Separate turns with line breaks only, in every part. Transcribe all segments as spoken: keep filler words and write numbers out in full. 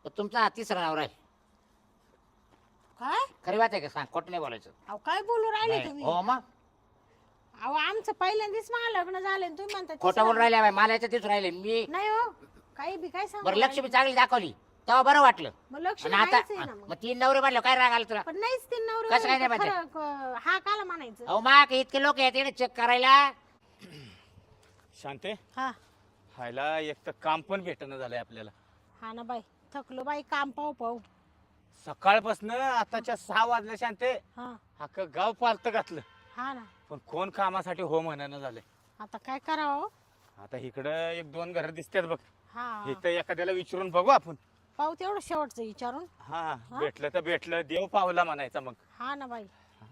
तर तुमचा हा तिसरा नवरा आहे.
काय
खरी बात आहे का? सांग, खोटं नाही बोलायचं.
अहो काय बोलू राहिले
नाही.
तुम्ही?
हो मग
अहो आमचं पहिल्यांदाच मला लग्न झालं आणि तुम्ही म्हणता
खोटं
तिसरं.
बोलून राहिले बाई, मला याच्यात दिसून राहिले मी.
नाही हो, काही बी काय सांगू
बरं लक्ष्मी
राहिले.
चांगली दाखवली तेव्हा बरं वाटलं.
मग लक्ष्मी
आणि आता
आहेच आहे ना मग.
मग तीन नवरे म्हणलं काय राग आला तुला?
पण नाहीच ते नवरे
कसं काय नाही
म्हणले तर
म्हणते?
खरं, क- हा काला म्हणायचं.
अहो मा इतके लोक येते चेक करायला.
शांते
हा
व्हायला एक तर काम पण भेटणं झालंय आपल्याला.
हा ना बाई, थकलो बाई काम पाहू पाहू.
सकाळपासून आताच्या सहा वाजल्या शांते,
हा
अख्खं गाव पालत घातलं,
हा ना,
पण कोण कामासाठी हो म्हणणं झालंय.
आता काय करावं?
आता इकडं एक दोन घर दिसतात बघ,
हा
इथं एखाद्याला विचारून बघू आपण.
पाहू तेवढं शेवटचं विचारून.
हा
हा?
भेटलं तर भेटलं, देव पावला म्हणायचा. मग
हा ना बाई,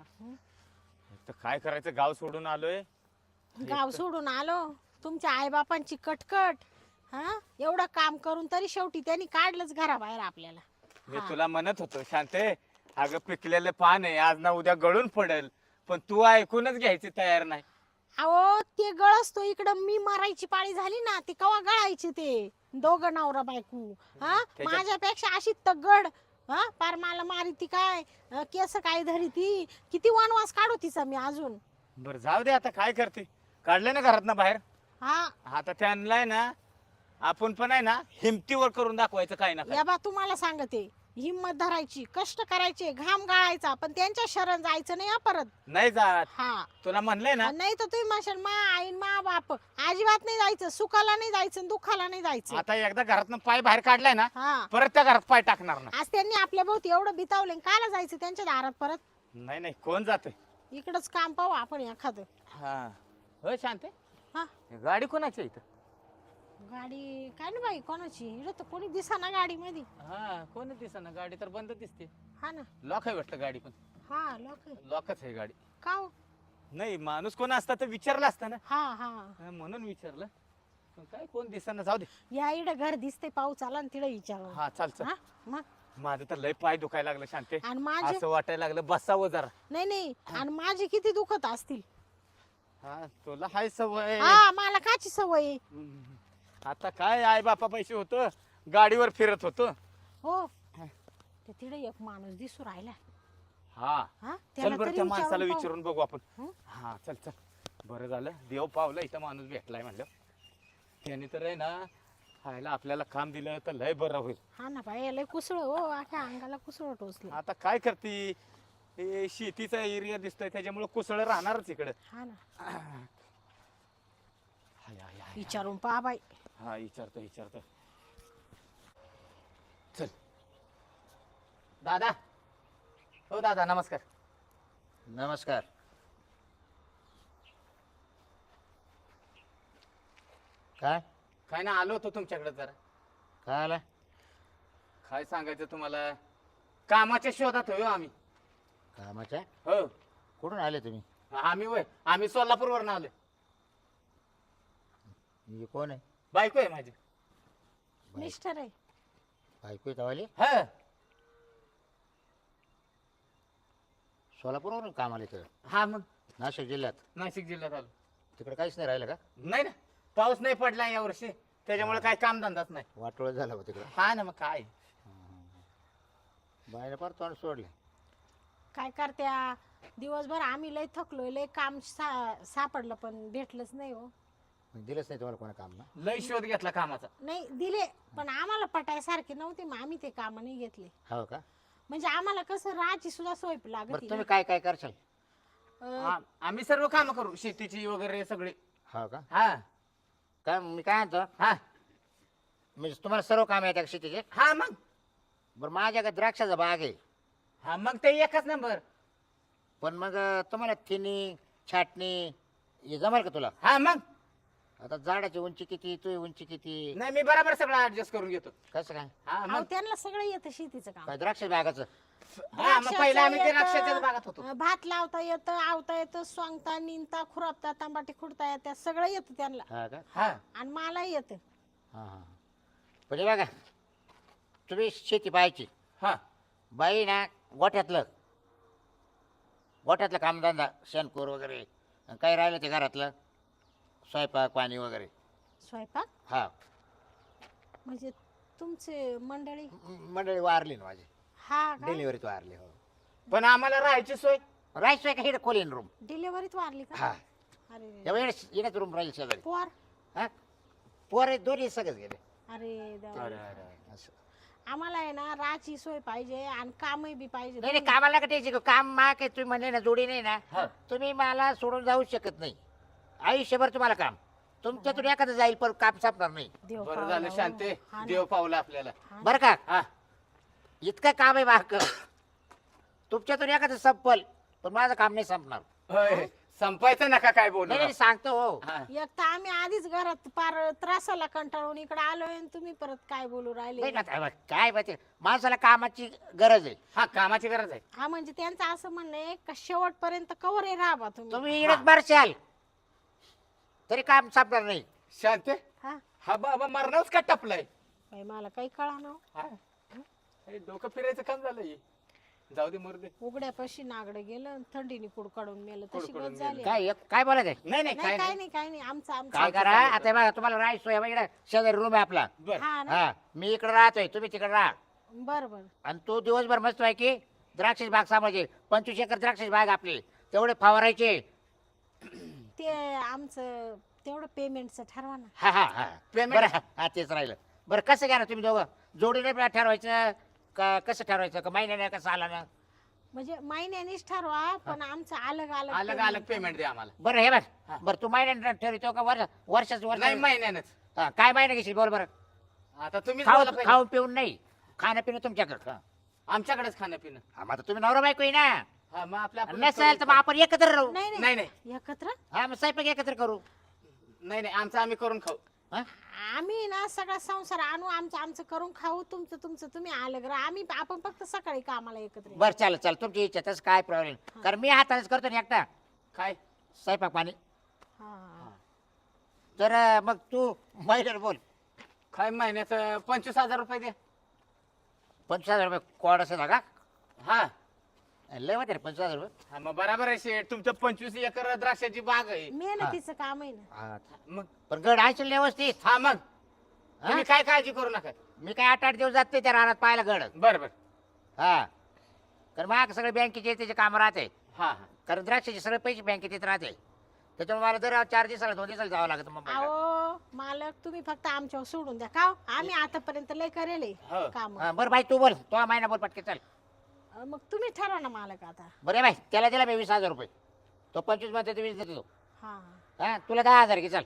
तर काय करायचं, गाव सोडून आलोय.
गाव सोडून आलो, तुमच्या आईबापांची कटकट. हा एवढं काम करून तरी शेवटी त्यांनी काढलंच घराबाहेर आपल्याला.
मी
हा.
तुला म्हणत होतो शांते, अगं पिकलेलं पान आहे, आज ना उद्या गळून पडेल, पण तू ऐकूनच घ्यायची तयार नाही.
अहो ते गळस तो इकडं मी मरायची पाळी झाली ना, ते कवा गळायचे ते दोघं नवरा बायको. हा
त्याच्यात-
माझ्यापेक्षा अशी तगड. हा पार मला मारी ती काय, अं, केस काय धरी ती, किती वनवास काढू तिचा मी अजून.
बरं जाऊ दे, आता काय करते, काढले ना घरात ना बाहेर.
हा
आता त्यांना आहे ना, आपण पण आहे ना हिमतीवर करून दाखवायचं काय ना काय.
या बा तुम्हाला सांगते, हिम्मत धरायची, कष्ट करायचे, घाम गाळायचा, पण त्यांच्या शरण जायचं नाही हा परत.
नाही जात,
हा
तुला म्हणलंय ना.
नाही तर तुम्ही म्हणशाल मा आई मा बाप, अजिबात नाही जायचं, सुखाला नाही जायचं, दुःखाला नाही जायचं.
आता एकदा घरातनं पाय बाहेर काढलाय ना,
हा
परत त्या घरात पाय टाकणार ना.
आज त्यांनी आपल्या भोवती एवढं बितावलं, काला जायचं त्यांच्या दारात परत?
नाही नाही, कोण जाते.
इकडंच काम पाहू आपण एखादं.
हा हो शांते,
हा
गाडी कोणाची आहे इथं?
गाडी काय ना बाई कोणाची, इकडं तर कोणी दिसा ना गाडी मध्ये.
हा कोण दिसना, गाडी तर बंद दिसते.
हा ना,
लॉक आहे वाटतं गाडी, पण
हा लोक
लॉकच आहे गाडी.
का हो?
नाही माणूस कोण असता तर विचारलं असतं ना.
हा हा
हा, म्हणून विचारलं, पण काय कोण दिसना. जाऊ दे.
या इकडं घर दिसते, पाऊस आला ना तिकडे विचारू.
हा चाल चल.
हा मग
माझं तर लय पाय दुखायला लागलं शांते,
आणि माझे
असं वाटायला लागलं बसावं जरा.
नाही नाही, आणि माझे किती दुखत असतील.
हा तुला हाय सवय.
हा मला काची सवय आहे.
हम्म. आता काय आई बापा पैसे होतो, गाडीवर फिरत होतो.
हो ते तिकडे एक माणूस दिसू राहिला.
हा
हा
चल
त्याला
बरं,
तरी
त्या माणसाला
विचारून पाहू.
विचारून बघू आपण.
हं?
हा चल चल, बरं झालं देव पावलं, इथं माणूस भेटलाय म्हणलं. त्याने तर आहे ना खायला आपल्याला काम दिलं तर लय बरं होईल.
हा ना बाई, लय कुसळ हो, अख्या अंगाला कुसळ टोचलं.
आता काय करते, हे शेतीचा एरिया दिसतोय त्याच्यामुळे कुसळ राहणारच इकडे.
हा ना,
हाय, हाय, हाय.
विचारून पहा बाई.
हा विचारतो विचारतो. चल दादा, हो दादा नमस्कार.
नमस्कार. काय
काय ना, आलो होतो तुमच्याकडे जरा.
काय आला?
काय सांगायचं तुम्हाला, कामाच्या शोधात होयो आम्ही.
कामाच्या?
हो
कुठून आले तुम्ही?
आम्ही वय आम्ही सोलापूरवरून आलो.
मी कोण आहे?
बायको आहे माझी.
मिस्टर आहे.
बायको आहे तवाली?
हा
सोलापूरवरून काम आले तर?
हा मग
नाशिक जिल्ह्यात?
नाशिक जिल्ह्यात आलो.
तिकडे काहीच नाही राहिलं का?
नाही ना, पाऊस नाही पडला या वर्षी, त्याच्यामुळे काय काम धंदाच नाही.
वाटोळ झालं हो तिकडं.
हा ना, मग काय.
बायने फार तोंड सोडले.
काय करत्या, दिवसभर आम्ही लय थकलोय, लय काम सा- सापडलं पण भेटलंच नाही हो.
मग दिलंच नाही तुम्हाला कोणा काम ना?
लय शोध घेतला कामाचा.
नाही दिले, पण आम्हाला पटायसारखे नव्हते, मग आम्ही ते काम नाही घेतले.
हो का?
म्हणजे आम्हाला कसं राहायची सुद्धा सोय लागत
बरं
होती
तुम्ही
ना.
काय काय करशाल?
अं,
आ- आम्ही सर्व काम करू, शेतीची वगैरे सगळे.
हो का?
हा
काय मी काय म्हणतो,
हा
म्हणजे तुम्हाला सर्व काम येतात का शेतीचे?
हा मग
बरं माझ्याकडे द्राक्षाचा बाग आहे,
हा मग ते एकच नंबर.
पण मग अं, तुम्हाला थिनी छाटणी हे जमेल का तुला?
हा मग
आता झाडाची उंची किती, तुझी उंची किती,
नाही, मी बरोबर सगळं ऍडजस्ट करून घेतो.
कसं काय?
हा
अहो,
मग
त्यांना सगळं येतं शेतीचं काम.
काय द्राक्ष बागाचं?
हा मग पहिला आम्ही ते
द्राक्षाचं
राक्षसाच्या
येतं,
भागात होतो.
अं, भात लावता येतं, आवता येतं, सोंगता, निंदता, खुरपता, तांबाटी खुडता येतं, सगळं येतं त्यांना.
हा का?
हा
आणि मलाही येतं.
हां हां. म्हणजे बघा, तुम्ही शेती पाहायची,
हा
बाई ना गोठ्यातलं गोठ्यातलं कामधंदा, शेणखोर वगैरे, आणि काही राहिलं ते घरातलं स्वयंपाक पाणी वगैरे.
स्वयंपाक
हा
म्हणजे तुमचे मंडळी
म- मंडळी वारली ना माझी,
हा का
डिलिव्हरीत वारली. हो,
पण आम्हाला राहायची सोय
राहायचोय का हे खोलीन रूम.
डिलेवरीत वारली का
हा,
अरे
एवढ्या येण्यात रूम राहील शेजारी.
पोर
हा, पोर दोन्ही सगळेच गेले.
अरे देवा.
अरे अरे
असं.
आम्हाला आहे ना राहायची सोय पाहिजे आणि कामही बी पाहिजे
नाही नाही, कामाला नका टेन्शन घेऊ. काम मा काय तुम्ही म्हणले ना जोडी नाही ना,
हा.
तुम्ही मला सोडून जाऊ शकत नाही. आयुष्यभर तुम्हाला काम, तुमच्यातून एखादं जाईल पण काम संपणार नाही.
देव
बरं
पावला
झालं
हो.
शांते,
हा ना.
देव पावला आपल्याला.
हा ना.
बरं का,
हा
इतकं काम आहे बाक तुमच्यातून एखादं संपल पण माझं काम नाही संपणार.
होय, संपायचं नका काय बोलू.
नाही नाही, सांगतो हो.
हा.
एक तर आम्ही आधीच घरात पार त्रासाला कंटाळून इकडे आलोय आणि तुम्ही परत काय बोलू
नाही
राहिले
ना, काय काय माहिती, माणसाला कामाची गरज आहे.
हा, कामाची गरज आहे.
हा म्हणजे त्यांचं असं म्हणणं आहे का शेवटपर्यंत कवर आहे राहा तुम्ही
तुम्ही इकडे मारशाल तरी काम संपणार नाही.
शांते,
हा
हा बाबा मरणारच का टपलाय.
बाई, मला काही कळा ना
हा. हे डोकं फिरायचं काम झालंय. जाऊ दे मरू दे.
उघड्यापाशी नागडं गेलं आणि थंडीने कुड काढून मेलं तशी
कुडकुडून
गत झाली
काय एक- काय बोलायचं आहे?
नाही नाही
नाही
काय
काय
नाही.
नाही काय नाही आमचं आमचं
काय करा आता बघा, तुम्हाला राहायचो इकडे शेजारी रूम आहे आपला.
बर
हा ना
हा, मी इकडे राहतोय, तुम्ही तिकडे राहा.
बर बर
आणि तो दिवसभर मस्त आहे की द्राक्षाची बाग सांभाळायची. पंचवीस एकर द्राक्षाची बाग आपली, तेवढे फवारायचे.
ते आमचं तेवढं पेमेंटचं ठरवा ना
हा हा हा
Payment?
बरं, हा हा, तेच राहिलं. बरं कसं घ्या ना तुम्ही दोघं, जोडीने बी ठरवायचं का कसं ठरवायचं, का महिन्याने कसं आला ना.
म्हणजे महिन्यानीच ठरवा पण आमचं अलग अलग
अलग अलग पेमेंट द्या आम्हाला.
बरं हे बघ,
हा.
बरं तू महिन्याने ठरवतो का वर्ष वर्षाचं वर्ष?
नाही महिन्यानंच.
हा, काय महिना घेशील बोल बरं.
आता तुम्ही
खाऊ खाऊन पिऊन नाही, खाणं पिणं तुमच्याकडं. हा.
आमच्याकडेच खाणं पिणं.
हा, मग आता तुम्ही नवरा बायको आहे ना.
हा, मग आपल्या आपण
नसेल तर मग आपण एकत्र राहू.
नाही
नाही
नाही
नाही
एकत्र
हा, मग स्वयंपाक एकत्र करू.
नाही नाही, आमचं आम्ही करून खाऊ.
हा?
आम्ही ना सगळा संसार आणू आमचं आमचं करून खाऊ तुमचं तुमचं तुम्ही अलग राहा आम्ही आपण फक्त सकाळी कामाला एकत्र येऊ.
बरं चालेल चालेल, तुमची इच्छा, तसं काय प्रॉब्लेम. कारण मी हातानेच करतो ना एकटा
काय
स्वयंपाक पाणी.
हा.
तर अं, मग तू महिन्याला बोल.
काय महिन्याचं पंचवीस हजार रुपये द्या.
पंचवीस हजार रुपये कोड असं का?
हा
लय होते रे पंचवीस हजार रुपये.
हा, मग बराबर आहे शेठ, तुमचं पंचवीस एकर द्राक्षाची बाग आहे.
मेहनतीचं काम आहे ना
हा.
मग
पण गड आहे व्यवस्थित.
हा मग
हा?
तुम्ही काय काळजी करू नका.
मी काय आठ आठ दिवस जात नाही त्या रानात पाहायला गड.
बर बर.
हा, कारण मग सगळे बँकेचे त्याचे काम राहते.
हा हा
कारण द्राक्षाचे सगळे पैसे बँकेत येत राहते. त्याच्यामुळे मला दर चार दिवसाला दोन दिवसाला जावं लागतं मुंबईला.
अहो मालक तुम्ही फक्त आमच्यावर सोडून द्या का हो? आम्ही आतापर्यंत लय करेल
हो.
काम
हा, बरं बाई तू बोल, तो महिना बोल पटके चल.
मग तुम्ही ठरवा ना मालक आता
बरं बाई, त्याला दिला मी वीस हजार रुपये, तो पंचवीस मध्ये तो वीस देतो.
हा
हा, तुला दहा हजार घे चल.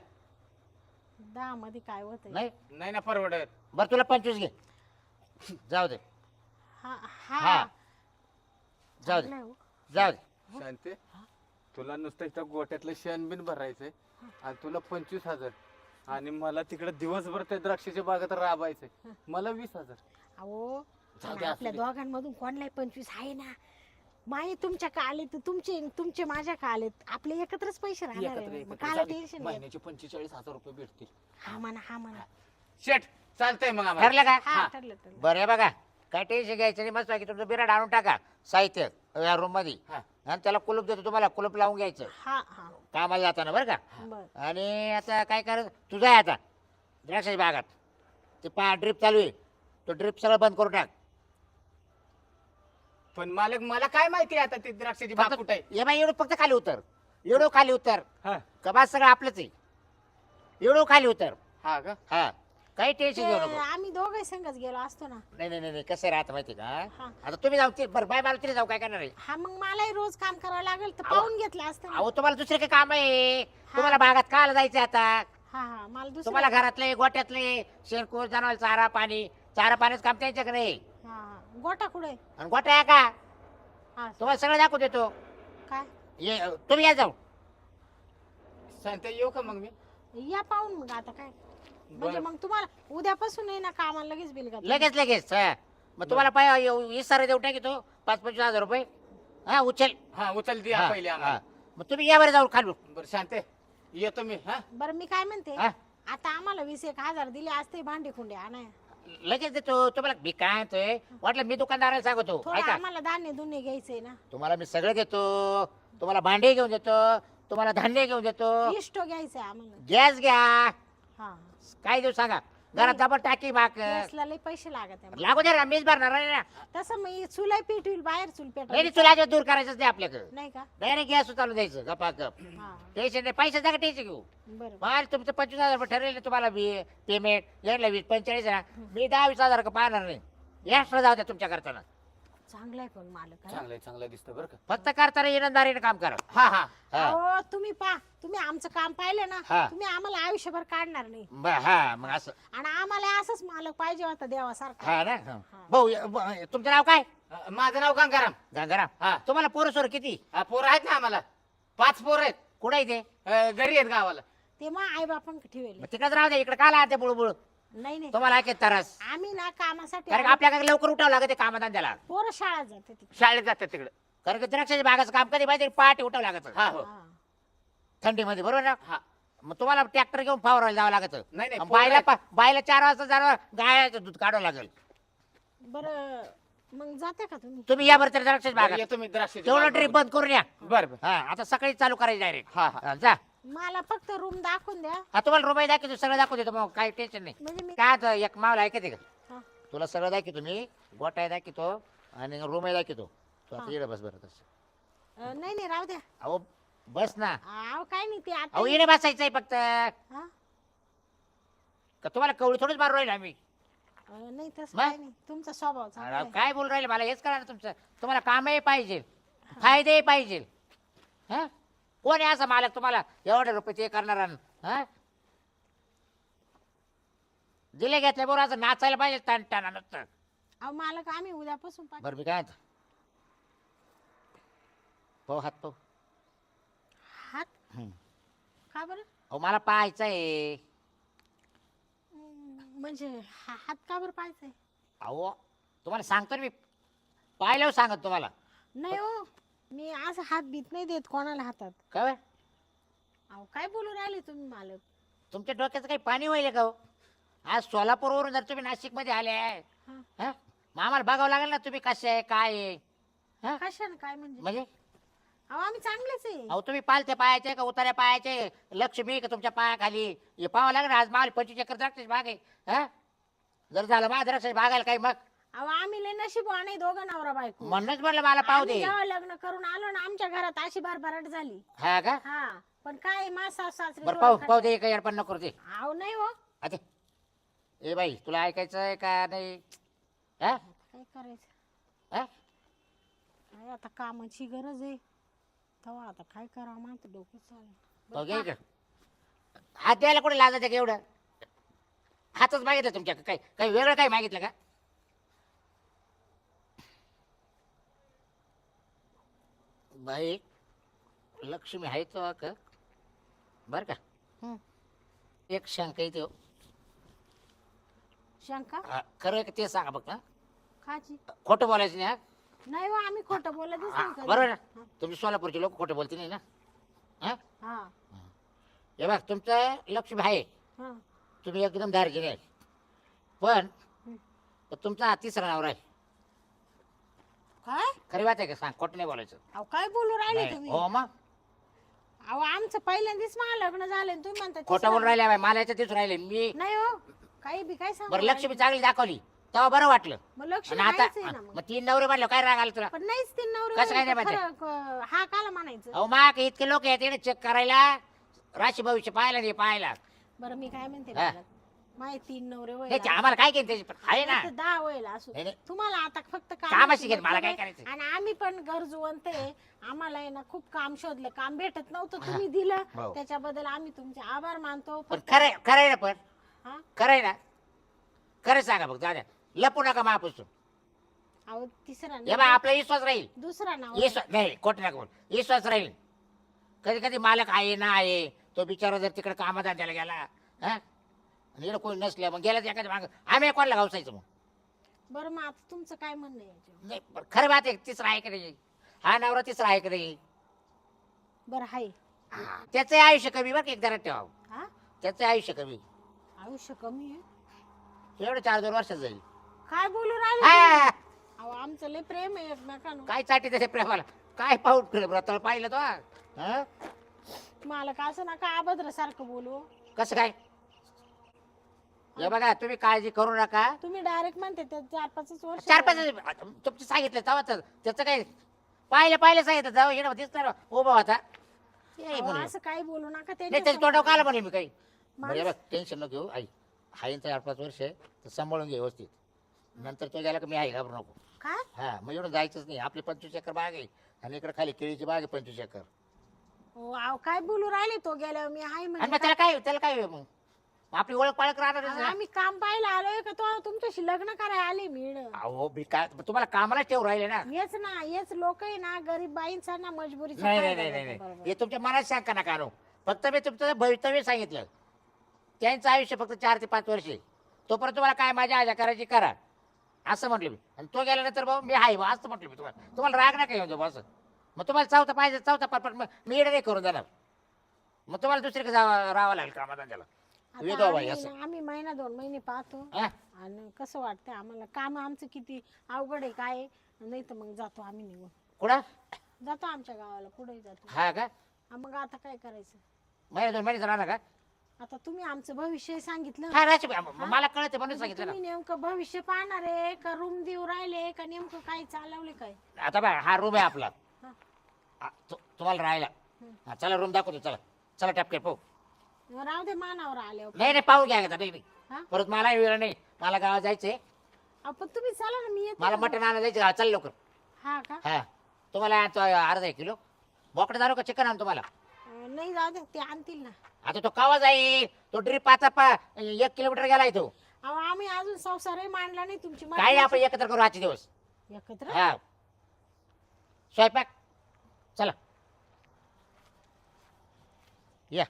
दहा मध्ये काय होत
नाही
नाही ना परवडत.
बरं तुला पंचवीस घे, जाऊ दे
हा
हा.
हा
जाऊ दे
चांगलं आहे हो.
जाऊ दे.
शांती, तुला नुसतं इथं गोट्यातलं शेण बिन भरायचंय आणि तुला पंचवीस हजार आणि मला तिकडे दिवसभर त्या द्राक्षाच्या बागेत राबायचंय, मला वीस हजार.
अहो
जाऊ
पण
दे, असू
आपल्या
दे.
दोघांमधून कोणलाही पंचवीस आहे ना माई तुमच्या का आले तर तुमचे तुमचे माझ्या का आलेत आपले एकत्रच पैसे राहणार
एकत्र-
आहे
एकत्र
मग काला
जाऊ दे.
टेन्शन घ्या
महिन्याचे पंचेचाळीस हजार रुपये भेटतील.
हा म्हणा हा म्हणा
शेठ चालतंय मग आम्हाला.
ठरलं का?
हा
हा.
ठरलं ठरलं
बरं हे बघा, काय टेन्शन घ्यायचं नाही. मस्त की तुमचं बिराड आणून टाका साहित्य या रूम मध्ये,
हा.
आणि त्याला कुलूप देतो तुम्हाला, कुलूप लावून घ्यायचं
हा हा
कामाला जाताना बरं का.
बर
आणि आता काय करायचं, तुझं आहे आता द्राक्षाच्या बागात ते पा ड्रिप चालू आहे, तो ड्रिप सगळं बंद करून टाक.
पण मालक मला काय माहिती आता ती द्राक्षाची बाग कुठे आहे.
ये बाई एवढं फक्त खाली उतर, एवढं खाली उतर,
हा.
कबात सगळं आपलंच आहे, एवढं खाली उतर.
हा का.
हा, काही टेन्शन घेऊ
ते
नको.
आम्ही दोघे संगच गेलो असतो ना
नाही नाही नाही नाही, कसं राहतं माहिती का,
हा.
आता तुम्ही जाऊ ते बरं बाय मला तरी जाऊ, काय करणार आहे.
हा मग मलाही रोज काम करावं लागेल तर
अहो.
पाहून घेतलं असतं ना.
अहो तुम्हाला दुसरे काही काम आहे, तुम्हाला बागात काल जायचं आता.
हा हा मला दुसरं
तुम्हाला घरातले गोट्यातले शेणकूर जनावर चारा पाणी, चारा पाण्याचं काम त्यांच्याकडे आहे.
हा हा गोटा कुठे
आणि गोटा आहे का,
हा
तुम्हाला सगळं दाखवू देतो.
काय
ये तुम्ही या जाऊ.
शांत येऊ का मग मी.
या पाहून मग आता काय म्हणजे
बरं.
मग तुम्हाला उद्यापासून आहे ना कामाला लगेच बिल घाल
लगेच लगेच हा. मग तुम्हाला पाय इसारा देऊ टाकी तो पाच पंचवीस हजार रुपये. हा उचल.
हा उचल द्या
हा,
पहिले
हा.
आम्हाला.
मग तुम्ही या बरं जाऊ खालू.
बरं शांत येतो मी. हा
बरं मी काय म्हणते
हा.
आता आम्हाला वीस एक हजार दिले असते भांडे खुंडे आणाय
लगेच देतो तुम्हाला. मी काय म्हणतोय, वाटलं मी दुकानदाराला सांगतो
थोडं
ऐका,
आम्हाला धान्य धुन्य घ्यायचंय ना
तुम्हाला मी सगळं देतो. तुम्हाला भांडे घेऊन देतो, तुम्हाला धान्य घेऊन देतो,
इष्टो घ्यायचंय आम्हाला
गॅस घ्या,
हा
काय देऊ सांगा. घरात डबल टाकी बाक
गॅसला लय पैसे लागत आहे.
लागू दे ना मीच भरणार आहे ना.
तसं मी चुलाई पेटवील बाहेर चूल
नाही
पेटवली
नाही, तुला दूर करायचंच नाही आपल्याकडे.
नाही का?
डायरेक्ट गॅस चालू द्यायचं गपा गप.
हा
टेन्शन नाही, पैसे जागा टेन्शन घेऊ.
बरं
माल तुमचं पंचवीस हजार रुपये ठरलेलं तुम्हाला पेमेंट यायला वीस पंचेचाळीस ना मी दहा वीस हजार का पाहणार नाही. एक्स्ट्रा जाऊ द्या तुमच्या करताना.
चांगलं आहे पण मालक आहे.
चांगलं आहे, चांगलं दिसतं बरं का.
फक्त करताना इमानदारीने काम करा.
हा हा
हा.
अहो तुम्ही पा तुम्ही आमचं काम पाहिलं ना
हा.
तुम्ही आम्हाला आयुष्यभर काढणार नाही.
ब- हा मग असं
आणि आम्हाला असंच मालक पाहिजे होता देवासारखा.
हा ना हा. भाऊ य- ब- तुमचं नाव काय?
अ, माझं नाव गंगाराम.
गंगाराम.
हा.
तुम्हाला पोरं सोर किती?
अ, पोरं आहेत ना आम्हाला, पाच पोरं आहेत.
कुठे आहे ते?
अ, घरी आहेत गावाला.
ते मग आई बापांक ठेवले.
मग तिकडे राहू द्या, इकडे काय लागते बुळबुळ
नाही नाही
तुम्हाला ऐकत तरस.
आम्ही ना कामासाठी
कारण का आपल्याकडे लवकर उठावं लागते कामधंद्याला.
पोरं शाळा जाते तिकडे.
शाळेत जातात तिकडे.
कारण की द्राक्षाच्या बागाचं काम कधी पाहिजे पहाटे उठावं लागत
हा हो
हा.
थंडीमध्ये बरोबर ना.
हा.
मग तुम्हाला ट्रॅक्टर घेऊन फवारायला जावं लागत.
नाही नाही, पोरं
बायला
आहेत.
पा- बायला चार वाजता जाणार गायचं दूध काढावं लागेल.
बरं मग जाते का तुम्ही?
तुम्ही या बरं द्राक्षाच्या
बरं,
बागात
येतो मी द्राक्षाच्या
तेवढं
बागेवर.
ट्रिप बंद करून या.
बरं बरं.
हा आता सकाळी चालू करायची डायरेक्ट.
हा हा
जा.
मला फक्त रूम दाखवून द्या.
हा तुम्हाला रुपये दाखवतो सगळं दाखवू देतो मग काही टेन्शन नाही.
म्हणजे मी
काय आता एक मावला ऐकते का
हा.
तुला सगळं दाखवतो मी. गोटाय दाखवतो आणि रूमही दाखवतो. तू आता
हा.
येणं बस बरं तसं.
अं, नाही नाही राहू द्या.
अहो बस ना.
अहो काय नाही ते आता
अहो येणे बसायचंय फक्त.
हा?
का तुम्हाला कवळी थोडीच मारू राहील आम्ही.
अं, नाही तसं
मग?
काय नाही तुमचा स्वभाव चांगला
अरे
आहे.
काय बोलू राहिले मला हेच करा ना तुमचं. तुम्हाला कामही पाहिजे फायदेही पाहिजे. हा कोण आहे असा मालक तुम्हाला एवढे रुपये ते करणार हा दिले घेतले बरोबर असं नाचायला पाहिजे ताण टाणा नसतं.
अहो मालक आम्ही उद्यापासून पाठ-
बरं मी काय म्हणतो पाहू हात पाहू.
हात
हम्म.
का बरं?
अहो मला पाहायचं आहे.
अं, म्हणजे हा- हात का बरं पाहायचंय?
अहो तुम्हाला सांगतो ना मी पाहिल्यावर सांगत तुम्हाला.
नाही हो मी असं हात बीत नाही देत कोणाला हातात.
काय
अहो काय बोलू राहिले तुम्ही मालक?
तुमच्या डोक्याचं काही पाणी होईल का हो? आज सोलापूरवरून जर तुम्ही नाशिकमध्ये आले आहे
हा.
हा मग आम्हाला बघावं लागेल ना तुम्ही कसे आहे काय आहे. हा
कशाने काय म्हणजे?
म्हणजे
अहो आम्ही चांगलेच आहे.
अहो तुम्ही पालथे पायाचे का उतार्या पायाचे लक्ष्मी का तुमच्या पायाखाली हे पाहावं लागेल. आज माल पंचवीस एकर द्राक्षाची बाग आहे. हा जर झालं माझ्या द्राक्षाची बागायला काही मग
अहो आम्ही लय नशीबवान आहे दोघं नवरा बायको.
म्हणूनच म्हणलं मला पाहू
आम्ही
दे.
जेव्हा लग्न करून आलो ना आमच्या घरात अशी भरभराट झाली.
हा का
हा पण काय मा सास सासरे
बरं
डोळे
पाहू
खातात.
पाहू दे काही अडपण नको दे.
अहो नाही हो
आता ए बाई तुला ऐकायचं आहे का नाही. हा
काय करायचं?
हा
काय आता कामाची गरज आहे तेव्हा आता काय करावं माझं डोकं चालेल.
पाहू घे इकडं. हात द्यायला कुठे लाजायचं का एवढं. हातच मागितलं तुमच्या काही काही वेगळं काही मागितलं का. बाई लक्ष्मी आहे तो का बर का.
हं.
एक शंका येते हो.
शंका
हा, खरं आहे का ते सांगा बघ. हा
खाची
खोटं बोलायचं नाही. हा
नाही हो आम्ही खोटं बोलतच
हा,
नाही कधी.
बरोबर ना.
हा.
तुमचे सोलापूरचे लोक खोटं बोलते नाही ना. हा
हा
हे बघ तुमचं लक्ष्मी आहे.
हा
तुम्ही एकदम दार्जिने आहे पण
हं.
तुमचा हा तिसरा नवरा आहे.
काय?
खरी बात आहे का सांग खोटं नाही बोलायचं.
अहो काय बोलू राहिले
नाही.
तुम्ही?
हो मग
अहो आमचं पहिल्यांदाच मला लग्न झालं आणि तुम्ही म्हणता
खोटं
तिसरं-
बोलून राहिले बाई. मला याच्या तिथून राहिले मी.
नाही हो काही बी काय सांगू
बरं
राहिले?
लक्ष्मी चांगली दाखवली तेव्हा बरं वाटलं.
मग लक्ष
आणि आता
नाहीच आहे ना मग.
मग तीन नवरे म्हणलं काय राग आला तुला.
पण नाहीच तीन नवरे
कसं काय
होईल
नाही
तर
माहिती?
खरं, क- हा काला म्हणायचं.
अहो मा इतके लोक आहेत इकडे चेक करायला राशी भविष्य पाहायला नाही पाहायला.
बरं मी काय म्हणते
हा.
मला? माय तीन नवरे होईल
त्याची आम्हाला काय केलं त्याची आहे ना.
नाही तर दहा होईल असू
नाही, नाही.
तुम्हाला आता फक्त
कामाशी
कामाची
घेत, मला
मतलब
काय
आहे.
करायचं?
आणि आम्ही पण गरजवंत आहे आम्हाला आहे ना खूप काम शोधलं काम भेटत नव्हतं तुम्ही दिलं
हो.
त्याच्याबद्दल आम्ही तुमचे आभार मानतो
पण
फक्त-
खरंय खरंय ना पण
हा?
खरंय ना. खरं सांगा बघ दादा लपू नका महापासून.
अहो तिसरा
हे बा
नाव
आपला विश्वास राहील.
दुसरा नाव
विश्वास नाही खोट नका बोल. विश्वास राहील. कधी कधी मालक आहे ना आहे तो बिचारा जर तिकडे कामधंद्याला गेला हा आणि इकडे कोणी नसल्या मग गेला एखाद्या मागं आम्ही कोणाला गावसायचं मग.
बरं मग आता तुमचं काय म्हणणं आहे याच्यावर?
नाही पण खरं बात आहे तिसरा आहे का नाही. हा नवरा तिसरा आहे का नाही.
बरं हाय
हा, त्याचं आयुष्य कमी बरं का एक जरा ठेवा.
हा
त्याचं आयुष्य कमी
आयुष्य कमी आहे
एवढं चार दोन वर्षात जाईल.
काय बोलू राहिले तुम्ही?
हा,
अहो आमचं लय प्रेम आहे एकमेकांवर
काय साठी त्याच्या प्रेमाला काय पाहून व्रताला पाहिलं तो हा?
मला का असं नका अभद्र सारखं बोलू
कसं काय हे बघा तुम्ही काळजी करू नका.
तुम्ही डायरेक्ट म्हणते ते चार पाच वर्ष
चार पाच तुमचं सांगितलं तेव्हा तर त्याचं काय पाहिलं पाहिलं सांगितलं जाऊ येणं दिसणार उभा होता ते
अहो,
म्हणले.
असं काही बोलू नका
नाही
त्यांच्या
त्याच्या तोंडावर
समोर.
काला म्हणले मी काही
माणूस-
बरं बघ टेन्शन नको घेऊ आई हाईन चार पाच वर्ष आहे तर सांभाळून घे व्यवस्थित नंतर तो गेला की मी आई घाबरू नको.
काय
हा मग एवढं जायचंच नाही आपली पंचवीस एकर बाग आहे आणि इकडे खाली केळीची बाग आहे पंचवीस एकर
हो, अहो, काय बोलू राहिले तो गेल्यावर मी हाय
आणि
म्हणजे
मग त्याला काय त्याला काय मग आपली ओळख पाळख राहणार
अहो, आम्ही काम पाहायला आलोय का तो तुमच्याशी लग्न करायला आले मी
अहो मी काय तुम्हाला कामाला ठेवू राहिले ना.
हेच ना हेच लोक आहे ना गरीब बाईंचा ना मजबुरीचा
नाही
फायदा
नाही नाही
घेतात,
नाही
बरोबर.
हे तुमच्या मनात सांगा नका आणू फक्त मी तुमचं भवितव्य सांगितलं त्यांचं आयुष्य फक्त चार ते पाच वर्षे तोपर्यंत तुम्हाला काय माझ्या आजा करायची करा असं म्हटलं मी आणि तो गेल्यानंतर भाऊ मी आहे बा असं म्हटलं मी तुम्हाला तुम्हाला राग नका येऊन जाऊ असं मग तुम्हाला चौथा पाहिजे चौथा पाच मग मी येणं नाही करून देणार मग तुम्हाला दुसरीकडे जावं राहावं लागेल कामाला त्याला
आता
विधवा बाई
आम्ही
असं
ना- आम्ही महिना दोन महिने पाहतो
हा?
आणि कसं वाटतंय आम्हाला काम आमचं किती अवघड आहे काय आहे. नाही तर मग जातो आम्ही निघून
कुठं
जातो आमच्या गावाला पुढे जातो
हा का
हा, मग आता काय करायचं
महिना दोन महिने राहणार का
आता तुम्ही आमचं भविष्य सांगितलं
हा राहायचं बा. म- मला कळतं म्हणून
म्हणजे
सांगितलं ना
तुम्ही नेमकं भविष्य पाहणार आहे का रूम देऊ राहिले का नेमकं काय चालवले काय
आता बा हा रूम आहे आपला
हा.
हा, तु- तुम्हाला राहायला हा, चला रूम दाखवतो चला चला टपके पाहू
राहू दे मानावर आले
नाही नाही पाहू घ्या आता नाही नाही.
हा
परत मला वेळ नाही मला गावात जायचंय
आपण तुम्ही चला ना मी येते
मला
ना.
मटण आणायला जायचं हा, चल लवकर
हा का
हा तुम्हाला तो अर्धा एक किलो बोकडे दारू का चिकन आण तुम्हाला
अं, नाही जाऊ दे ते आणतील ना
आता तो कावा जाईल तो ड्रीप आता पा एक किलोमीटर गेलाय तो
अहो आम्ही अजून संसारही मांडला नाही तुमची
काय नाही आपण एकत्र करू आजचे दिवस
एकत्र
हा स्वयंपाक चला या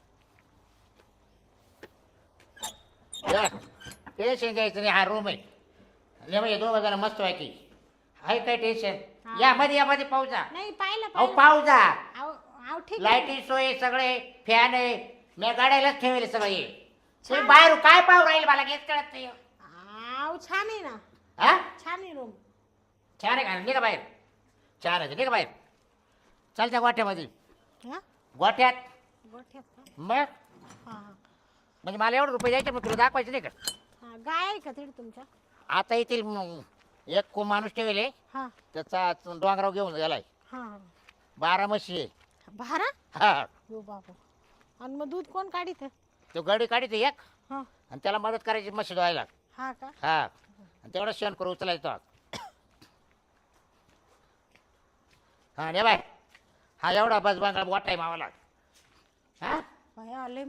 टेन्शन घ्यायचं नाही हा रूम आहे आणि म्हणजे दोघं जण मस्त आहे की आहे काय टेन्शन
हा.
या मध्ये या मध्ये पाहू जा
नाही पाहिलं
अहो
पाहिलं
पाहू जा
अहो अहो, ठीक आहे.
लाईटी सोय सगळे फॅन आहे मी गाड्यालाच ठेवले सगळे तुम्ही बाहेर काय पाहू राहील मला हेच कळत नाही
अहो छान आहे ना
हा
छान आहे रूम
छान आहे का निघा बाहेर छान आहे निघा बाहेर चालत्या गोठ्यामध्ये
हा
गोठ्यात
गोठ्यात का
मग
हा हा
म्हणजे मला एवढं रुपये द्यायचे मग तुला दाखवायचं नाही का
हा गाय आहे का तिथे तुमच्या
आता येथील म, एक को माणूस ठेवले
हा
त्याचा डोंगराव घेऊन गेलाय
हा हा.
बारा म्हशी आहे
भारा
हा
हो बाबा आणि मग दूध कोण काढित
तो गाडी काढते एक
हा
आणि त्याला मदत करायची म्हशी धुवायला
हा का
हा आणि तेवढं शेण करू उचलायचं हा ने बाय हा एवढा बस बांगडा मोठा आहे मावाला हा
भया आले